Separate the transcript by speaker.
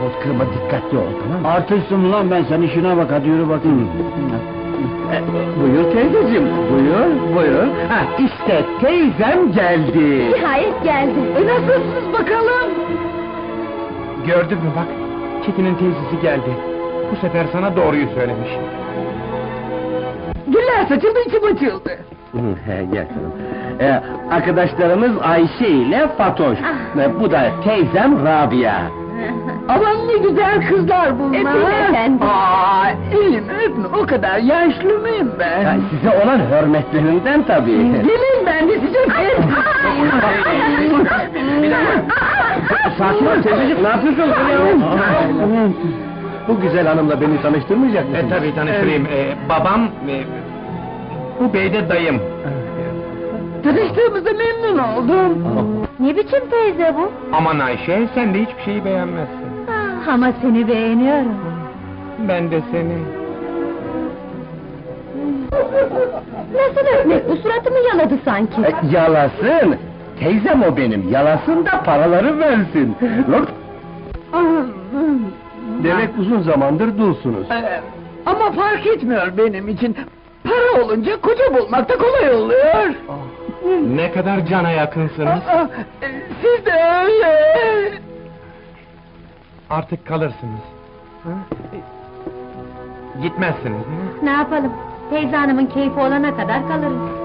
Speaker 1: Yahut kırma, dikkatli ol, tamam mı?
Speaker 2: Artistsin lan ben, sen işine bak, hadi yürü bakayım.
Speaker 1: Buyur teyzeciğim, buyur. Ha, işte teyzem geldi.
Speaker 3: Nihayet geldi.
Speaker 1: Nasılsınız bakalım?
Speaker 4: Gördün mü bak, Çetin'in teyzesi geldi. Bu sefer sana doğruyu söylemiş.
Speaker 1: Güller saçıldı, içim açıldı. Gel canım. Arkadaşlarımız Ayşe ile Fatoş. Bu da teyzem Rabia. Aman ne güzel kızlar bunlar.
Speaker 3: Öpeyim efendim.
Speaker 1: İyiyim, öpme, o kadar yaşlı mıyım ben? Size olan hürmetlerinden tabii. Gelin ben de size Sakin ol teyzeciğim, ne yapıyorsun? Bu güzel hanımla beni tanıştırmayacak mısın?
Speaker 4: Tabii tanıştırayım. Babam, bu bey de dayım.
Speaker 1: Tanıştığımıza memnun oldum.
Speaker 3: Ne biçim teyze bu?
Speaker 4: Aman Ayşe, sen de hiçbir şeyi beğenmezsin.
Speaker 3: Ama seni beğeniyorum.
Speaker 4: Ben de seni.
Speaker 3: Nasıl öpmek bu, suratımı yaladı sanki.
Speaker 1: Yalasın! Teyzem o benim, yalasın da paraları versin. Demek uzun zamandır dulsunuz. Ama fark etmiyor benim için. Para olunca koca bulmak da kolay oluyor.
Speaker 4: Ne kadar cana yakınsınız.
Speaker 1: Siz de öyle.
Speaker 4: Artık kalırsınız. Gitmezsiniz değil mi?
Speaker 3: Ne yapalım? Teyze hanımın keyfi olana kadar kalırız.